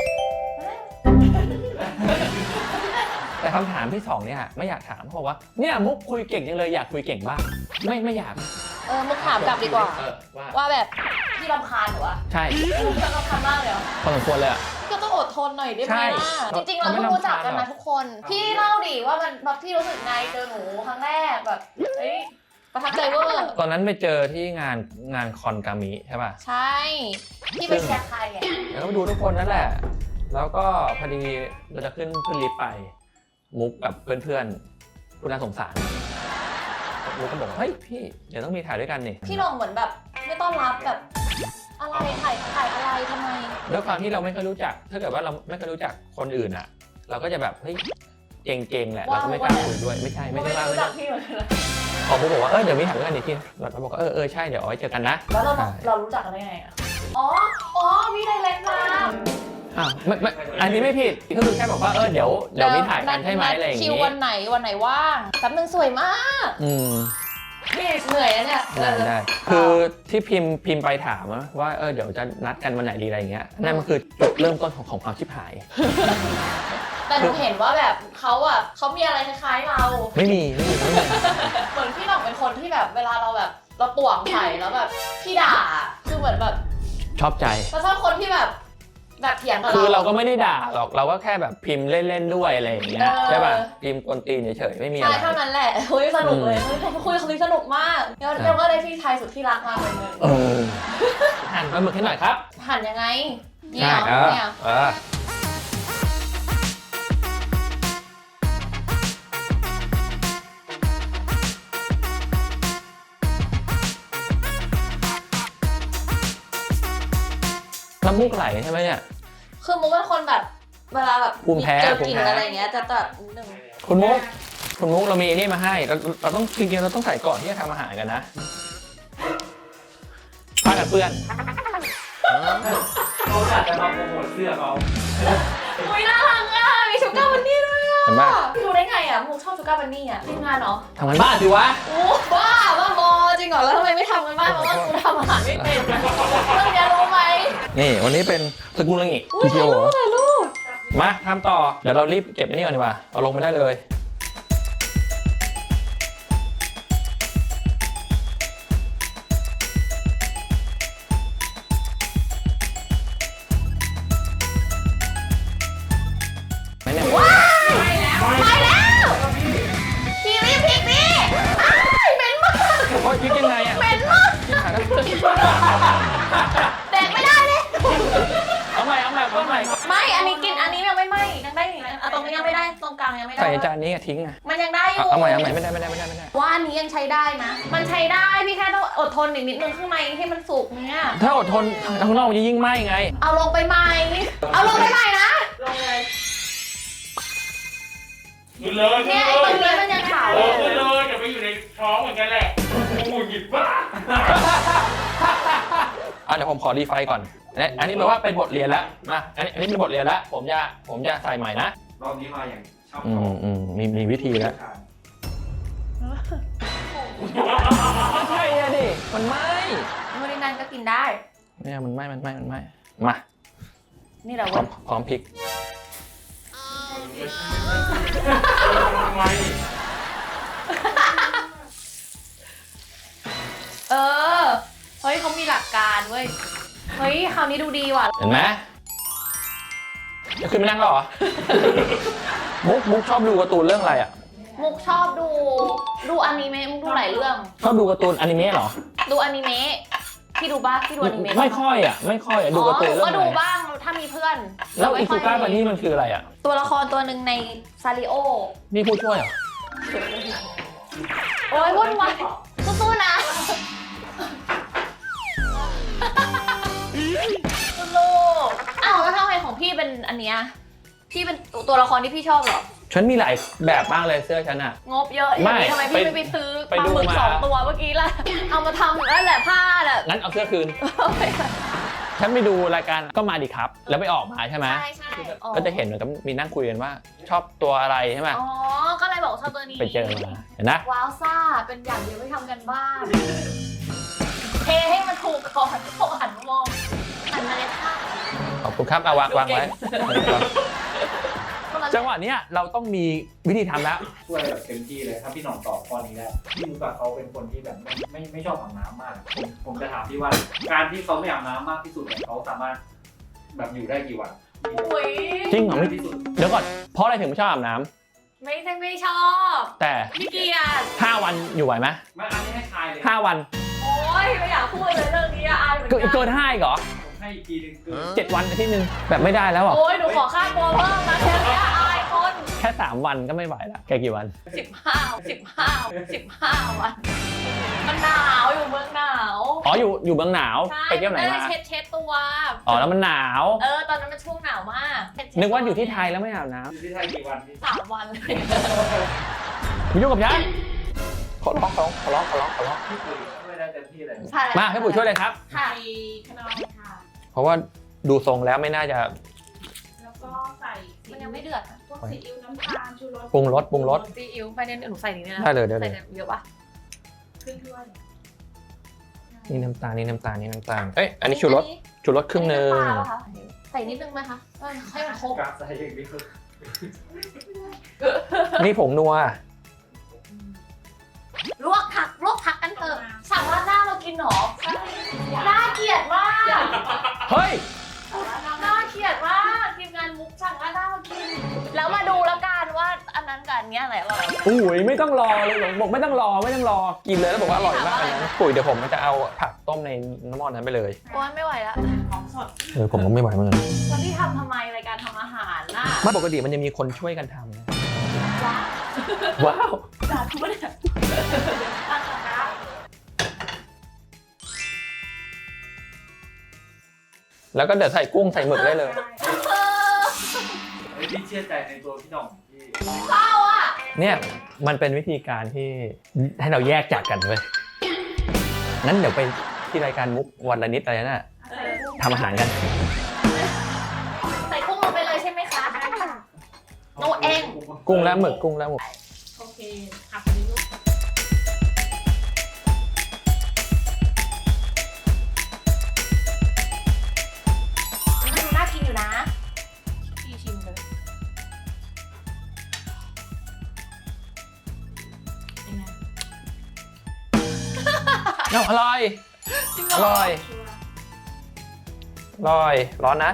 [SPEAKER 1] แต่คำถามที่2เนี่ยไม่อยากถามเพราะว่าเนี่ยมุกคุยเก่งจังเลยอยากคุยเก่งบ้างไม่อยาก
[SPEAKER 3] มุกถามกลับดีกว่า
[SPEAKER 1] ว่า
[SPEAKER 3] ว่าแบบพี่รำคาญเหรอวะ
[SPEAKER 1] ใช่
[SPEAKER 3] พี่รำคาญมากเลยเหรอ
[SPEAKER 1] พอสมควรเลยอะ
[SPEAKER 3] ก็ต้องอดทนหน่อยได้ไห
[SPEAKER 1] ใช่
[SPEAKER 3] มล่ะ จริงๆเราไม่รู้จักกันนะทุกคน พี่เล่าดิว่ามันแบบพี่รู้สึกไงเจอหนูครั้งแรกแบบเฮ้ยประทับใจเวอร์
[SPEAKER 1] ตอนนั้นไปเจอที่งานคอนกามิใช่ป่ะ
[SPEAKER 3] ใช่ พี่ไปแชร์ใครอ่ะ
[SPEAKER 1] แล้วก็ดูทุกคนนั่นแหละ แล้วก็พอดีเราจะขึ้นลิฟต์ไปมุกกับเพื่อนๆคุณน่าสงสารมุกก็บอกว่าเฮ้ยพี่เดี๋ยวต้องมีถ่ายด้วยกันนี่
[SPEAKER 3] พี่ลงเหมือนแบบไม่ต้อนรับแบบอะไรถ่ายอะไรทำไม
[SPEAKER 1] ด้วยความที่เราไม่เคยรู้จัก ถ้าเกิดว่าเราไม่เคยรู้จักคนอื่นอ่ะ เราก็จะแบบเฮ้ยเก่งๆแหละเราก็ไม่กล้าคุยด้วยไม่ใช่ว่า
[SPEAKER 3] รู้จักพี่เหมือนกัน
[SPEAKER 1] พอมุกบอกว่าเดี๋ยวมีถ่ายด้วยกันอีกทีเราบอกว่าใช่เดี๋ยวเอาไว้เจอกันนะ
[SPEAKER 3] แล้วเรา
[SPEAKER 1] ใช่
[SPEAKER 3] รู้จักกันได้ไงอ่ะอ๋อพี่ไดเรกมา
[SPEAKER 1] อ้าวไม่อันนี้ไม่ผิดก็คือแค่บอกว่าเดี๋ยวมีถ่ายกันใช่ไหมอะไรอย่าง
[SPEAKER 3] คิว
[SPEAKER 1] งี้
[SPEAKER 3] วันไหนว่างแป๊บนึงสวยมาก พี่เหนื่อยแล้วเนี่ย
[SPEAKER 1] ได้คือที่พิมพ์ไปถามว่าเดี๋ยวจะนัดกันวันไหนดีอะไรอย่างเงี้ยนั่นมันคือจุดเริ่มต้นของความชิบหาย
[SPEAKER 3] แต่หนูเห็นว่าแบบเขามีอะไรคล้ายๆเรา
[SPEAKER 1] ไม่มี
[SPEAKER 3] เหมือนพี่หน่องเป็นคนที่แบบเวลาเราแบบเราป่วงใส่แล้วแบบพี่ด่าคือเหมือนแบบ
[SPEAKER 1] ชอบใจ
[SPEAKER 3] เราชอบคนที่แบบเถียงกับเรา
[SPEAKER 1] คือเราก็ไม่ได้ด่าหรอกเราก็แค่แบบพิมพ์เล่นๆด้วยอะไรอย่างเงี้ยใช่ป่ะพิมพ์กวนตีนเฉยๆไม่มีอะไร
[SPEAKER 3] ใช่เท่านั้นแหละคุยสนุกเลยคุยสนุกมากเดี๋ยวก็ได้พี่ชายสุดที่รักมาคนนึง
[SPEAKER 1] หั่นปลาหมึกให้หน่อยครับ
[SPEAKER 3] หั่นยังไงเนี่ย
[SPEAKER 1] ใช่
[SPEAKER 3] เนี่ย
[SPEAKER 1] น้ำมูกไหลใช่ไหมเนี่ย
[SPEAKER 3] คือมุกเป็นคนแบบเวลาแบบ
[SPEAKER 1] ภูมิแพ้
[SPEAKER 3] เจอกลิ่นอะไรอย่างเงี้ยจะนิดนึง
[SPEAKER 1] คุณมุกเรามีนี่มาให้เราต้องจริงๆเราต้องใส่ก่อนที่จะทำอาหารกันนะผ้ากันเปื้อน
[SPEAKER 2] เขาอยากจะมาโปรโมทเสื้อเขา
[SPEAKER 3] อุ้ยน่ารักอ่ะมีชูการ์บันนี่ด้วยอ่ะ
[SPEAKER 1] เห็นปะ
[SPEAKER 3] ดูได้ไงอ่ะมุกชอบชูการ์บันนี่อ่ะทีมงานเนาะ
[SPEAKER 1] ทำงานบ้านสิวะ
[SPEAKER 3] โอ้บ้าบอจริงเหรอแล้วทำไมไม่ทำกันบ้างเพราะว่ากูทำอาหารไม่เป็นเรื่องนี้รู้ไหม
[SPEAKER 1] นี่วันนี้เป็นสกุลงิ
[SPEAKER 3] อุ้ยถ่ายรูป
[SPEAKER 1] มาทำต่อเดี๋ยวเรารีบเก็บไอ้นี่ก่อนดีกว่าเอาลงไม่ได้เลยไม่เนี่ย
[SPEAKER 3] ว้ายไปแล้วพี่รีบพลิกดิอ้ายเหม็นมาก
[SPEAKER 1] โอ้ยคิดยังไงอ่ะ
[SPEAKER 3] เหม็นมากแดกไม่ได้เลย
[SPEAKER 1] เอาใหม่
[SPEAKER 3] ไม่อันนี้กินอันนี้ยังไม่ไหม้ยังได้อยู่นะตรงนี้ยังไม่ได้ตรงกลางยังไม่ได้
[SPEAKER 1] ใส่จานนี้ทิ้งอ่ะ
[SPEAKER 3] มันยังได้อยู่
[SPEAKER 1] เอาใหม่ไม่ได้
[SPEAKER 3] ว่าอันนี้ยังใช้ได้นะมันใช้ได้พี่แค่ต้องอดทนอีกนิดนึงข้างในให้มันสุกเนี่ย
[SPEAKER 1] ถ้าอดทนข้างนอกมันจะยิ่งไหม้ไง
[SPEAKER 3] เอาลงไปใหม่เอาลงไปใหม่นะ
[SPEAKER 2] ขึ้นเลย
[SPEAKER 3] เนี่ยไอ้ตรงนี้มันยังขาว
[SPEAKER 2] ขึ้นเลยอย่าไปอยู่ในท้องเหมือนกันแหละโอ้ยหยิบบ้า
[SPEAKER 1] เดี๋ยวผมขอรีไฟก่อนอันนี้แปลว่าเป็นบทเรียนแล้วมาอันนี้เป็นบทเรียนแล้วผมจะใส่ใหม่นะ
[SPEAKER 2] รอบนี้มาอย่างชอบ
[SPEAKER 1] มีวิธีแล้วไม่ใช่อะดิมันไหม้
[SPEAKER 3] นู่นนี่นั่นก็กินได้
[SPEAKER 1] เนี่ยมันไหม้มา
[SPEAKER 3] นี่แหละ
[SPEAKER 1] พร้
[SPEAKER 3] วั
[SPEAKER 1] อน มพร้อมพริก
[SPEAKER 2] ทำไม
[SPEAKER 3] เออ เฮ้ยเขามีหลักการเว้ย เฮ้ยคราวนี้ดูดีว่ะ
[SPEAKER 1] เห็นไหมจะขึ้นไปนั่งหรอ มุกชอบดูการ์ตูนเรื่องอะไรอ่ะ
[SPEAKER 3] มุกชอบดูอนิเมะมุกดูหลายเรื่อง
[SPEAKER 1] ชอบดูการ์ตูนอนิเมะเหรอ
[SPEAKER 3] ดูอนิเมะพี่ดูบ้างพี่ดูอนิเมะ
[SPEAKER 1] ไม่ค่อยอ่ะดูการ์ตูน
[SPEAKER 3] ห
[SPEAKER 1] เรื่อง
[SPEAKER 3] ก็
[SPEAKER 1] อะไร
[SPEAKER 3] ดูบ้างถ้ามีเพื่อน
[SPEAKER 1] แล้วอิ
[SPEAKER 3] ไม่
[SPEAKER 1] ซุ
[SPEAKER 3] ค่ย
[SPEAKER 1] ก้าบันนี่มันคืออะไรอ่ะ
[SPEAKER 3] ตัวละครตัวหนึ่งในซาริโอ
[SPEAKER 1] นี่ผู้ช่วยเหรอ
[SPEAKER 3] โอ้ยวุ่นวายสู้ๆนะลูกอ้าวแล้วทำไมของพี่เป็นอันเนี้ยพี่เป็นตัวละครที่พี่ชอบเหรอ
[SPEAKER 1] ฉันมีหลายแบบมากเลยเสื้อฉันอ่ะ
[SPEAKER 3] งบเยอะอย่างนี้ทำไมพี่ไม่ไปซื้อปลาหมึก2 ตัวเมื่อกี้ล่ะ เอามาทำนั่นแหละผ้าน่ะ
[SPEAKER 1] งั้นเอาเสื้อคืน ฉันไปดูรายการก็มาดิครับ แล้วไปออกมาใช่ไหม
[SPEAKER 3] ใช่
[SPEAKER 1] ก็จะเห็นเหมือนกับมีนั่งคุยกันว่า ชอบตัวอะไรใช่ไหม
[SPEAKER 3] อ๋อ ก็เลยบอกชอบตัวนี้
[SPEAKER 1] ไปเจอมาเห็นนะ
[SPEAKER 3] ว้าวซ่า เป็นอย่างเดียวไม่ทำกันบ้านเทให้มันถูกก่อนพวกหันมองหันมาเลยค่ะ
[SPEAKER 1] ขอบคุณครับเอาวางไว้ จังหวะเนี้ยเราต้องมีวิธีทำแล้ว
[SPEAKER 2] ช่วยแบบเต็มที่เลยถ้าพี่หน่องตอบข้อนี้ได้พี่มุกอะเขาเป็นคนที่แบบไม่ชอบอาบน้ำมากผมจะถามพี่ว่า การที่เขาไม่อาบน้ำมากที่สุดเนี่ยเขาสามารถแบบอยู่ได้กี่วัน
[SPEAKER 3] อุ้ย
[SPEAKER 1] จริงเหรอไม่
[SPEAKER 2] ที่สุด
[SPEAKER 1] เดี๋ยวก่อนเพราะอะไรถึงไม่ชอบอาบน้ำ
[SPEAKER 3] ไม่ใช่ไม่ชอบ
[SPEAKER 1] แต่
[SPEAKER 3] พี่เกียรติ
[SPEAKER 1] 5 วันอยู่ไหวไหม
[SPEAKER 2] ไม่อันนี้ให้ทายเลย
[SPEAKER 1] 5 วัน
[SPEAKER 3] โอ้ยไม่อยากพูดเลยเรื่องนี้อะอายเหมือน
[SPEAKER 1] เกิ
[SPEAKER 3] กัน
[SPEAKER 1] น5อีกเหรอ
[SPEAKER 2] ผมให้อีกทีหนึงคือ
[SPEAKER 1] 7 วันอาทิตย์นึงแบบไม่ได้แล้วอ่ะ
[SPEAKER 3] โอ้ยหนูขอค่าตัวเพิ่มนะแค่นี้อายคน
[SPEAKER 1] แค่ 3 วันก็ไม่ไหวละแกกี่วัน
[SPEAKER 3] 15 วัน มันหนาวอยู่เมืองหนาว
[SPEAKER 1] อ๋ออยู่เมืองหนาว
[SPEAKER 3] ใช่
[SPEAKER 1] ไปเที่ยวไหนมา
[SPEAKER 3] เช็ดตัว
[SPEAKER 1] อ๋อแล้วมันหนาว
[SPEAKER 3] ตอนนั้นมันช่วงหนาวมากเช็ด
[SPEAKER 1] นึกว่าอยู่ที่ไทยแล้วไม่อาบน้
[SPEAKER 2] อยู่ที่ไทยกี่วันพี่
[SPEAKER 3] 3 วันเลย
[SPEAKER 1] ำมายุ่งกับฉันขอร้อง
[SPEAKER 2] พี่ปุ๋ยช่วยได้เต็มที่เลย
[SPEAKER 3] ใช่
[SPEAKER 1] มาให้ปุ๋ยช่วยเลยครับ
[SPEAKER 3] ค่ะ
[SPEAKER 4] ขนมค่ะ
[SPEAKER 1] เพราะว่าดูทรงแล้วไม่น่าจะ
[SPEAKER 4] แล้วก็ใส่
[SPEAKER 3] มันยังไม่เดือดอะ
[SPEAKER 4] พวกซีอิ๊วน้ำตาลชูรส
[SPEAKER 1] ปรุงรส
[SPEAKER 3] ซีอิ๊วไปเนี่ยหนูใส่นี่นะ
[SPEAKER 1] ได้เลย
[SPEAKER 3] ใส่เยอะปะ
[SPEAKER 4] ครึ่งถ้วย
[SPEAKER 1] นี่น้ำตาลเอ้ยอันนี้ชูรสครึ่งหนึง
[SPEAKER 3] อันนี้น้ำปลาปะคะใส่นิดนึงไหมคะให้มันครบ
[SPEAKER 2] กราฟใส่อย่างนี้คือ
[SPEAKER 1] นี่ผงนัว
[SPEAKER 3] ลวกผักกันเถอะสั่งราดหน้าเรากินหรอน่าเกลียดมาก
[SPEAKER 1] เฮ้ย
[SPEAKER 3] น่าเกลียดมากทีมงานมุกสั่งราดหน้ามากิน แล้วมาดูแล้วกันว่าอันนั้นกับอันเนี้ยอะไรอร่อย
[SPEAKER 1] อุ้ยไม่ต้องรอเลยบอกไม่ต้องรอกินเลยแล้วบอกว่าอร่อยมากเลยนะปุ๋ยเดี๋ยวผมจะเอาผักต้มในน้ำมันนั้นไปเลย
[SPEAKER 3] โอ้ยไม่ไหวละ
[SPEAKER 4] ของสด
[SPEAKER 1] ผมก็ไม่ไหวเหมือนกัน
[SPEAKER 3] แล้วพี่ทำไมรายการทำอาหารน่ะ
[SPEAKER 1] ไม่ปกติมันจะมีคนช่วยกันทำนะ
[SPEAKER 3] ว้าว
[SPEAKER 1] ว้าว
[SPEAKER 3] สาธุเนี่ยตั้งกระทะ
[SPEAKER 1] แล้วก็เดี๋ยวใส่กุ้งใส่หมึกได้เลย
[SPEAKER 2] เฮ้ยพี่เชื่อใจในตัวพี่หน่องพี่
[SPEAKER 3] เศร้าอ่ะ
[SPEAKER 1] เนี่ยมันเป็นวิธีการที่ให้เราแยกจากกันเว้ยงั้นเดี๋ยวไปที่รายการมุกวันละนิดอะไรน่ะทำอาหารกัน
[SPEAKER 3] ใส่กุ้งลงไปเลยใช่ไหมคะโนเอง
[SPEAKER 1] กุ้งและหมึก
[SPEAKER 4] โอเคผักนี้ลูก
[SPEAKER 3] มันดูน่ากินอยู่นะพี่ชิมเลย
[SPEAKER 4] เป็นไง
[SPEAKER 1] อร่อยร้อนนะ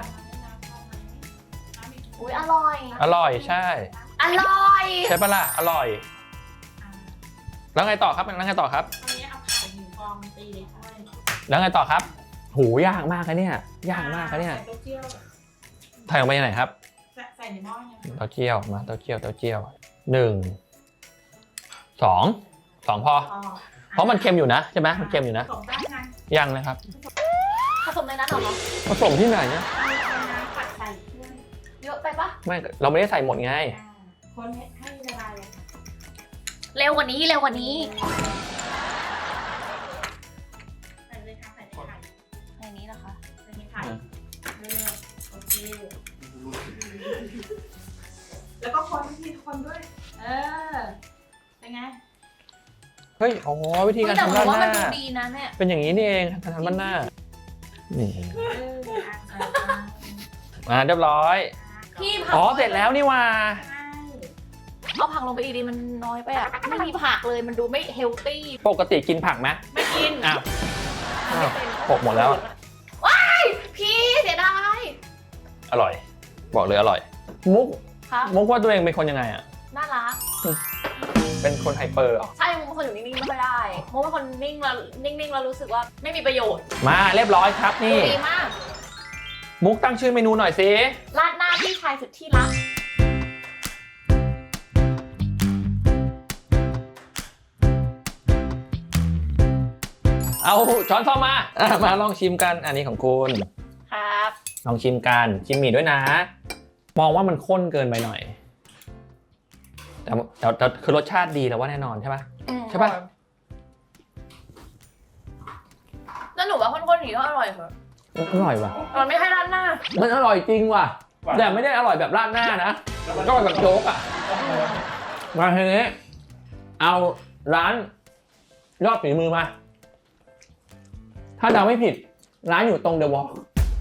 [SPEAKER 3] อุ้ยอร่อย
[SPEAKER 1] อร่อยใช่
[SPEAKER 3] อร่อย
[SPEAKER 1] ใช่ปะล่ะอร่อย แล้วไงต่อครับ
[SPEAKER 4] ตอนนี้เอาไข่1 ฟองตีเลยค่ะ
[SPEAKER 1] แล้วไงต่อครับหูยากมากนะเนี่ยยากมากนะเนี่ย
[SPEAKER 4] ใส่เต้าเจี้ยว
[SPEAKER 1] ถ่ายออกมาอย่างไหนครับ
[SPEAKER 4] ใส่ในหม้อยัง
[SPEAKER 1] เต้าเจี้ยวมาเต้าเจี้ยว1 2 พอ เพราะมันเค็มอยู่นะใช่ไหมมันเค็มอยู่นะ
[SPEAKER 4] ส่งได้ไง
[SPEAKER 1] ยังเลยครับ
[SPEAKER 3] ผสมในนั้นเหรอ
[SPEAKER 1] ผสมที่ไหนเนี่ย
[SPEAKER 4] เอาน้ำปัดใส่เครื่อง
[SPEAKER 3] เยอะไปปะ
[SPEAKER 1] ไม่เราไม่ได้ใส่หมดไง
[SPEAKER 4] คนให้ละลายเลย
[SPEAKER 3] เร็วกว่านี้
[SPEAKER 4] ใส่เลยค่ะใส่ในไข่
[SPEAKER 3] ในนี้นะคะ
[SPEAKER 4] ใส่ในไข่เร็วๆโอเคแล้วก็คนที่คนด้วย เป็นไง
[SPEAKER 1] เฮ้ยอ๋อวิธีการ
[SPEAKER 3] แต่
[SPEAKER 1] ทำ
[SPEAKER 3] ผ
[SPEAKER 1] ด้าม น
[SPEAKER 3] ว่า
[SPEAKER 1] ห
[SPEAKER 3] มัน
[SPEAKER 1] น้า
[SPEAKER 3] ดูดีนะเนี่ย
[SPEAKER 1] เป็นอย่างนี้นี่เองการทำด้านหน้านี่มาเรียบร้อย
[SPEAKER 3] พี่ผัก
[SPEAKER 1] อ๋อเสร็จแล้วนี่ว่า
[SPEAKER 3] เอาผักลงไปอีกดีมันน้อยไปอ่ะไม่มีผักเลยมันดูไม่เฮลตี้
[SPEAKER 1] ปกติกินผักไหม
[SPEAKER 3] ไม่กิน
[SPEAKER 1] อ้าว
[SPEAKER 3] ไม่เป็น
[SPEAKER 1] หกหมดแล้วอะ
[SPEAKER 3] ว้ายพี่เสียดาย
[SPEAKER 1] อร่อย บอกเลยอร่อย มุก
[SPEAKER 3] ครับ
[SPEAKER 1] มุกว่าตัวเองเป็นคนยังไงอ่ะ
[SPEAKER 3] น่ารัก
[SPEAKER 1] เป็นคนไฮเปอร์เหรอ
[SPEAKER 3] ใช่มุกเป็นคนอยู่นิ่งๆไม่ค่อยได้มุกเป็นคนนิ่งแล้วนิ่งๆแล้วรู้สึกว่าไม่มีประโยชน์
[SPEAKER 1] มาเรียบร้อยครับนี่
[SPEAKER 3] ดีมาก
[SPEAKER 1] มุกตั้งชื่อเมนูหน่อยสิ
[SPEAKER 3] ราดหน้าพี่ชายสุดที่รัก
[SPEAKER 1] เอาช้อนซ่อมมามาลองชิมกันอันนี้ของคุณ
[SPEAKER 3] ครับ
[SPEAKER 1] ลองชิมกันชิมหมี่ด้วยนะ มองว่ามันข้นเกินไปหน่อย แต่คือรสชาติดีแล้วว่าแน่นอนใช่ปะ ใช่ปะ
[SPEAKER 3] แล้วหนูว่าคนๆอย่างนี้ก็อร่อยเหรอ
[SPEAKER 1] อร่อยว่ะ
[SPEAKER 3] มันไม่ให้ราดหน้า
[SPEAKER 1] มันอร่อยจริงว่ะแต่ไม่ได้อร่อยแบบราดหน้านะก็อร่อยแบบโจ๊กอ่ะมาทีนี้เอาร้านยอดฝีมือมา ถ้าเดาไม่ผิดร้านอยู่ตรงเดอะวอล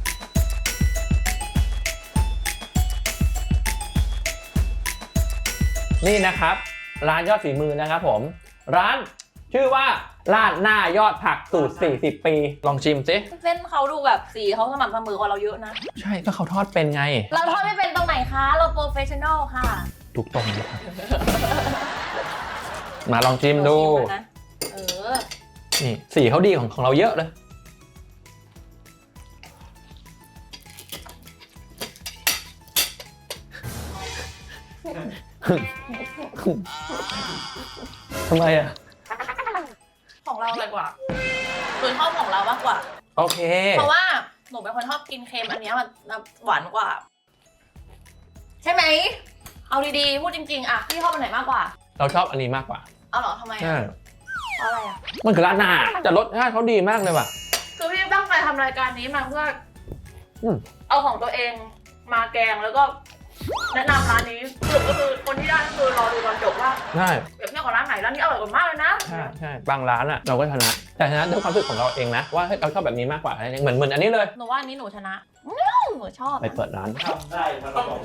[SPEAKER 1] นี่นะครับร้านยอดฝีมือนะครับผมร้านชื่อว่าราดหน้ายอดผักสูตร40 ปีลองชิมสิ
[SPEAKER 3] เส้นเขาดูแบบสีเขาสม่ำเสมอกว่าเราเยอะนะ
[SPEAKER 1] ใช่ก็เขาทอดเป็นไง
[SPEAKER 3] เราทอดไม่เป็นตรงไหนคะ เราโปรเฟชชั่นอลค่ะ
[SPEAKER 1] ทุกตรงเลยครับ มาลองชิมดู
[SPEAKER 3] นะเออ
[SPEAKER 1] นี่สีเขาดีของเราเยอะเลยทำไมอ่ะ
[SPEAKER 3] ของเราอะไรกว่าคือชอบของเรามากกว่า
[SPEAKER 1] โอเค
[SPEAKER 3] เพราะว่าหนูเป็นคนชอบกินเค็มอันเนี้ยมันหวานกว่า ใช่ไหม เอาดีๆ พูดจริงๆ อะพี่ชอบอันไหนมากกว่า
[SPEAKER 1] เราชอบอันนี้มากกว่า
[SPEAKER 3] เอาเหรอทำไม
[SPEAKER 1] ใช่
[SPEAKER 3] อะเพราะอะไรอะ
[SPEAKER 1] มันคือร้านหน้าแต่รสชาติเขาดีมากเลยว่ะ
[SPEAKER 3] คือพี่ตั้งใจทำรายการนี้มาเพื่ออ
[SPEAKER 1] ม
[SPEAKER 3] เอาของตัวเองมาแกงแล้วก็แนะนำร้านนี้สรุปก็คือคนที่ได้ก็คือรอดูตอนจบว่า
[SPEAKER 1] ใช่
[SPEAKER 3] เปรียบเทียบกับร้านไหนร้านนี้อร่อยกว่ามากเลยนะ
[SPEAKER 1] ใช่บางร้านอ่ะเราก็ชนะ แต่ชนะด้วยความรู้สึกของเราเองนะว่าเฮ้ยเราชอบแบบนี้มากกว่าเหมือนอันนี้เลย
[SPEAKER 3] หนูว่าอันนี้หนูชนะหนูชอบ
[SPEAKER 1] ไปเปิดร้าน
[SPEAKER 2] ทำได้มาตลอด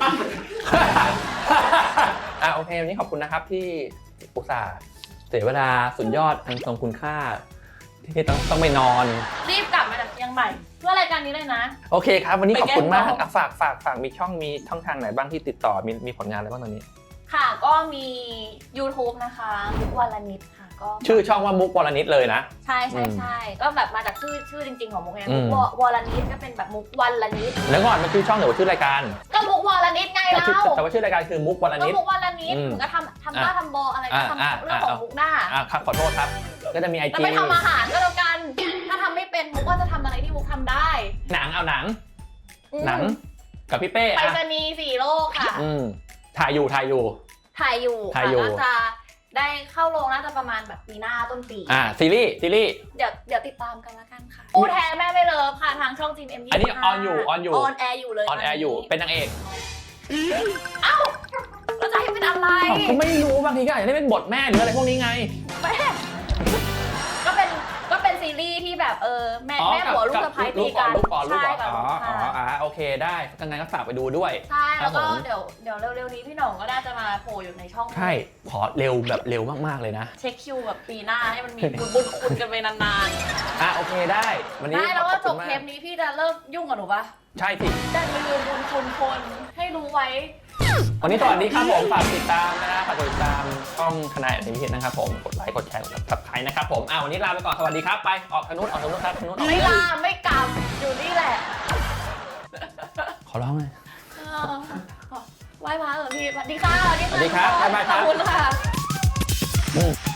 [SPEAKER 1] โอเควันนี้ขอบคุณนะครับที่อุตส่าห์เสียเวลาสุดยอดอันทรงคุณค่า ที่ต้องไปนอน
[SPEAKER 3] รีบกลับมาจากเชียงใหม่เพื่อรายการนี้เลยนะ
[SPEAKER 1] โอเคครับ วันนี้ขอบคุณมาก
[SPEAKER 3] ไปแก้ต่อ
[SPEAKER 1] ฝากมีช่องทางไหนบ้างที่ติดต่อมีผลงานอะไรบ้างตอนนี้
[SPEAKER 3] ค่ะก็มี YouTube นะคะมุกวลนิดค่ะก็
[SPEAKER 1] ชื่อช่องว่ามุกวรนิดเลยนะ
[SPEAKER 3] ใช่ก็แบบมาจากชื่อจริงๆของมุกเอง
[SPEAKER 1] อืม
[SPEAKER 3] มุกวลนิดก็เป็นแบบมุกวลนิด
[SPEAKER 1] แล้วก่อนมันชื่อช่องหรือว่าชื่อรายการ
[SPEAKER 3] ก็มุกวลนิดไงเรา
[SPEAKER 1] แต่ว่าชื่อรายการคือมุกวร
[SPEAKER 3] ก็
[SPEAKER 1] นิด
[SPEAKER 3] มุกวลนิด
[SPEAKER 1] อืม
[SPEAKER 3] หนูก็ทำบ้าทำบออะไรก็ทำเรื่องของมุกหน้า
[SPEAKER 1] ครับขอโทษครับ ก็จะมี
[SPEAKER 3] แต่
[SPEAKER 1] IG
[SPEAKER 3] ไม่ทำอาหารก็แล้วกัน ถ้าทำไม่เป็นมุกก็จะทำอะไรที่มุกทำได้
[SPEAKER 1] หนังเอาหนัง
[SPEAKER 3] อืม
[SPEAKER 1] หนังกับพี่เป้
[SPEAKER 3] ไป
[SPEAKER 1] อะ
[SPEAKER 3] รษณีย์4 โลกค่ะ
[SPEAKER 1] ถ่ายอยู่
[SPEAKER 3] ถ่ายอยู่
[SPEAKER 1] ถ่ายอยู่
[SPEAKER 3] ค่ะก็จะได้เข้าโรงน่าจะประมาณแบบปีหน้าต้นปี
[SPEAKER 1] ซีรีส์
[SPEAKER 3] เดี๋ยวติดตามกันแล้วกันค่ะผู้แท้แม่ไม่เลิฟค่ะทางช่องจีน M25
[SPEAKER 1] อันนี้ออนอยู่
[SPEAKER 3] ออนแอร์อยู่เลย
[SPEAKER 1] ออนแอร์อยู่เป็นนางเอก
[SPEAKER 3] แล้วจะให้เป็นอะไร
[SPEAKER 1] ก็ไม่รู้บางทีก็อาจจะได้เป็นบทแม่หรืออะไรพวกนี้ไง
[SPEAKER 3] แม่ก็เป็นซีรีส์ที่แบบแม่ผัวลูกสะใภ้ตีกัน
[SPEAKER 1] ลูกก่อน
[SPEAKER 3] ใช่กับ
[SPEAKER 1] อ๋
[SPEAKER 3] ลู
[SPEAKER 1] อก
[SPEAKER 3] ค่ะ
[SPEAKER 1] โอเคได้ถ้างั้นก็ฝากไปดูด้วย
[SPEAKER 3] ใช่แล้วก็
[SPEAKER 1] ครับผม
[SPEAKER 3] เดี๋ยวเร็วๆนี้พี่หน่องก็น่าจะมาโผล่อยู่ในช่อง
[SPEAKER 1] ใช่ ขอเร็วแบบเร็วมากๆเลยนะ
[SPEAKER 3] เช็คคิวแบบปีหน้าให้มันมีบุญคุณกันไปนาน
[SPEAKER 1] โอเคได้ วัน
[SPEAKER 3] ๆ
[SPEAKER 1] นี้
[SPEAKER 3] ได้แล้วก็
[SPEAKER 1] ขอบ
[SPEAKER 3] จ
[SPEAKER 1] คุ
[SPEAKER 3] บ
[SPEAKER 1] ณมาก
[SPEAKER 3] เทปนี้พี่จะเลิกยุ่งกับหนูปะ
[SPEAKER 1] ใช่สิ
[SPEAKER 3] จะลืมบุญคุณคนให้รู้ไว้
[SPEAKER 1] วันนี้สวัสดีครับผมฝากติดตามนะฝากกดติดตามช่องทนายอันพิเศษนะครับผมกดไลค์กดแชร์กด subscribe นะครับผมวันนี้ลาไปก่อนสวัสดีครับไปออกทางนู้นครับทางนู้น
[SPEAKER 3] ไม่ลาไม่กลับอยู่นี่แหละ
[SPEAKER 1] ขอร้องเลย
[SPEAKER 3] ไหว้พระเหรอพี่สวัสดีค่ะ
[SPEAKER 1] สวัสดีครับบ๊ายบายครับ
[SPEAKER 3] ขอบคุณค่ะ